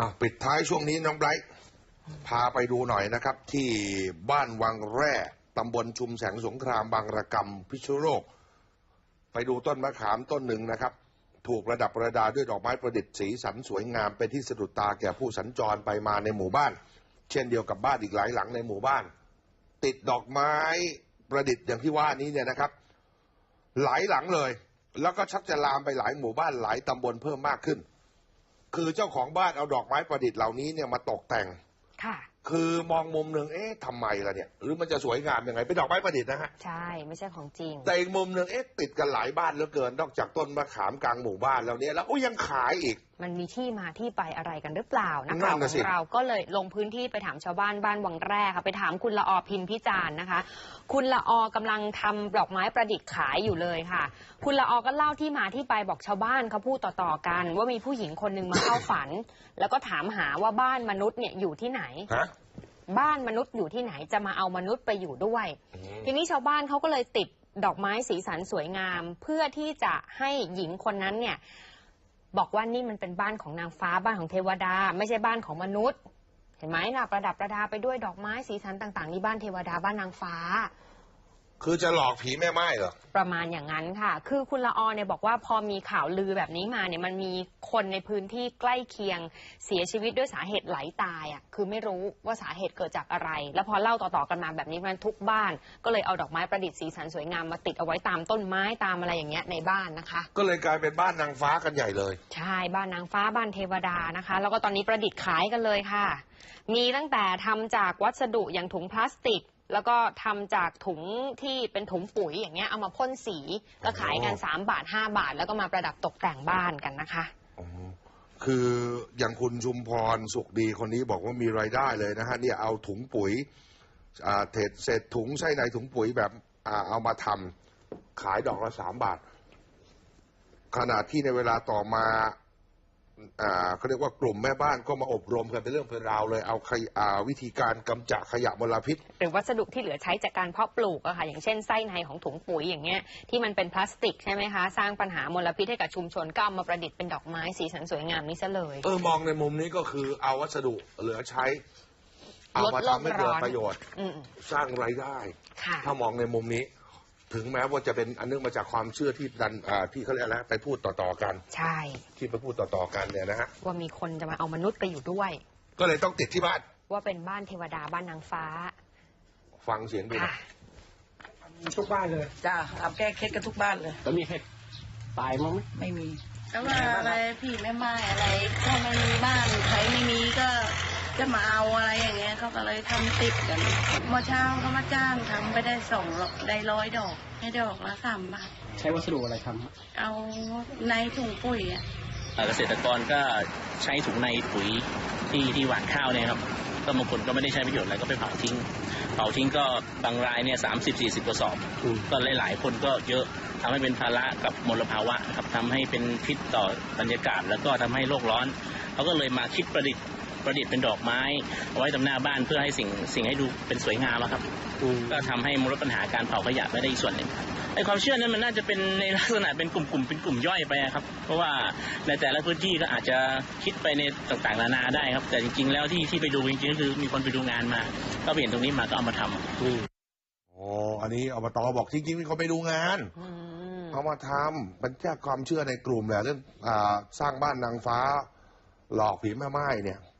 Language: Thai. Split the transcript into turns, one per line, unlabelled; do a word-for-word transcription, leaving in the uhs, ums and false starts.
อ่ะปิดท้ายช่วงนี้น้องไบรท์พาไปดูหน่อยนะครับที่บ้านวังแร่ตำบลชุมแสงสงครามบางระกำพิษณุโลกไปดูต้นมะขามต้นหนึ่งนะครับถูกประดับประดาด้วยดอกไม้ประดิษฐ์สีสันสวยงามเป็นที่สะดุดตาแก่ผู้สัญจรไปมาในหมู่บ้านเช่นเดียวกับบ้านอีกหลายหลังในหมู่บ้านติดดอกไม้ประดิษฐ์อย่างที่ว่านี้เนี่ยนะครับหลายหลังเลยแล้วก็ชักจะลามไปหลายหมู่บ้านหลายตำบลเพิ่มมากขึ้นคือเจ้าของบ้านเอาดอกไม้ประดิษฐ์เหล่านี้เนี่ยมาตกแต่งค่ะคือมองมุมหนึ่งเอ๊ะทำไมล่ะเนี่ยหรือมันจะสวยงามยังไงเป็นดอกไม้ประดิษฐ์นะฮะ
ใช่ไม่ใช่ของจริง
แต่อีกมุมหนึ่งเอ๊ะติดกันหลายบ้านเหลือเกินนอกจากต้นมะขามกลางหมู่บ้านแล้วเนี่ยแล้วโอ้ยังขายอีก
มันมีที่มาที่ไปอะไรกันหรือเปล่านักข่าวของเราก็เลยลงพื้นที่ไปถามชาวบ้านบ้านวังแร่ค่ะไปถามคุณละออพินพิจารณ์นะคะคุณละออกำลังทำดอกไม้ประดิษฐ์ขายอยู่เลยค่ะคุณละออก็เล่าที่มาที่ไปบอกชาวบ้านเขาพูดต่อๆกันว่ามีผู้หญิงคนหนึ่งมาเข้าฝันแล้วก็ถามหาว่าบ้านมนุษย์เนี่ยอยู่ที่ไหนบ้านมนุษย์อยู่ที่ไหนจะมาเอามนุษย์ไปอยู่ด้วยทีนี้ชาวบ้านเขาก็เลยติดดอกไม้สีสันสวยงามเพื่อที่จะให้หญิงคนนั้นเนี่ยบอกว่านี่มันเป็นบ้านของนางฟ้าบ้านของเทวดาไม่ใช่บ้านของมนุษย์เห็นไหมนะประดับประดาไปด้วยดอกไม้สีสันต่างๆนี่บ้านเทวดาบ้านนางฟ้า
คือจะหลอกผีแม่ไม้เหรอ
ประมาณอย่างนั้นค่ะคือคุณละออเนี่ยบอกว่าพอมีข่าวลือแบบนี้มาเนี่ยมันมีคนในพื้นที่ใกล้เคียงเสียชีวิตด้วยสาเหตุไหลตายอ่ะคือไม่รู้ว่าสาเหตุเกิดจากอะไรแล้วพอเล่าต่อๆกันมาแบบนี้มันทุกบ้านก็เลยเอาดอกไม้ประดิษฐ์สีสันสวยงามมาติดเอาไว้ตามต้นไม้ตามอะไรอย่างเงี้ยในบ้านนะคะ
ก็เลยกลายเป็นบ้านนางฟ้ากันใหญ่เลย
ใช่บ้านนางฟ้าบ้านเทวดานะคะแล้วก็ตอนนี้ประดิษฐ์ขายกันเลยค่ะมีตั้งแต่ทำจากวัสดุอย่างถุงพลาสติกแล้วก็ทำจากถุงที่เป็นถุงปุ๋ยอย่างเงี้ยเอามาพ่นสีก็ขายกันสามบาทห้าบาทแล้วก็มาประดับตกแต่งบ้านกันนะคะ
คืออย่างคุณชุมพรสุขดีคนนี้บอกว่ามีรายได้เลยนะฮะเนี่ยเอาถุงปุ๋ยเศษเศษถุงใส่ในถุงปุ๋ยแบบเอามาทำขายดอกละสามบาทขณะที่ในเวลาต่อมาเขาเรียกว่ากลุ่มแม่บ้านก็มาอบรมกันเป็นเรื่องเป็นราวเลยเอาวิธีการกำจัดขยะมลพิษ
หรือวัสดุที่เหลือใช้จากการเพาะปลูกอะค่ะอย่างเช่นไส้ในของถุงปุ๋ยอย่างเงี้ยที่มันเป็นพลาสติกใช่ไหมคะสร้างปัญหามลพิษให้กับชุมชนก็เอามาประดิษฐ์เป็นดอกไม้สีสันสวยงามนี้ซะเลย
เออมองในมุมนี้ก็คือเอาวัสดุเหลือใช้เอามาทำให้เกิดประโยชน์สร้างรายได้ถ้ามองในมุมนี้ถึงแม้ว่าจะเป็นอันนึงมาจากความเชื่อที่ดันที่เขาเรียกอะไรไปพูดต่อๆกัน
ใช่
ที่ไปพูดต่อๆกันเนี่ยนะฮะ
ว่ามีคนจะมาเอามนุษย์ไปอยู่ด้วย
ก็เลยต้องติดที่บ้าน
ว่าเป็นบ้านเทวดาบ้านนางฟ้า
ฟังเสียงดูนะ
ทุกบ้านเลย
จ้าเอาแก้เคล็ดกันทุกบ้านเลย
แล้วมีเคล็ดตายมั้ง
ไม่มีแล้วว่าอะไรพี่แม่ไม้อะไรถ้าไม่มีบ้านใครไม่มีก็จะมาเอาอะไรอย่างเงี้ยเขาก็เลยทำติดกันเมื่อเช้าเขามาจ้างทำไปได้สองได้ร้อยดอกให้ดอกละสามบาท
ใช้วัสดุอะไรทำ
เอาในถุงปุ๋ยอ่ะ
เกษตรกรก็ใช้ถุงในปุ๋ยที่ที่หว่านข้าวเนี่ยครับก็บางคนก็ไม่ได้ใช้ประโยชน์อะไรก็ไปเผาทิ้งเผาทิ้งก็บางรายเนี่ยสามสิบสี่สิบกระสอบก็หลายๆคนก็เยอะทำให้เป็นภาระกับมลภาวะครับทำให้เป็นพิษต่อบรรยากาศแล้วก็ทำให้โลกร้อนเขาก็เลยมาคิดประดิษฐ์ประดิษฐ์เป็นดอกไม้เอาไว้ตรงหน้าบ้านเพื่อให้สิ่งสิ่งให้ดูเป็นสวยงามครับก็ทำให้ลดปัญหาการเผาขยะไปได้อีกส่วนหนึ่งไอ้ความเชื่อนั้นมันน่าจะเป็นในลักษณะเป็นกลุ่มๆเป็นกลุ่มย่อยไปครับเพราะว่าในแต่ละพื้นที่ก็อาจจะคิดไปในต่างๆนานาได้ครับแต่จริงๆแล้วที่ที่ไปดูจริงๆก็คือมีคนไปดูงานมาก็เห็นตรงนี้มาก็เอามาทำ
อ๋ออันนี้อบต.บอกจริงๆมีคนไปดูงานเอามาทำเป็นแค่ความเชื่อในกลุ่มแหละเรื่องสร้างบ้านนางฟ้าหลอกผีแม่ไม้เนี่ย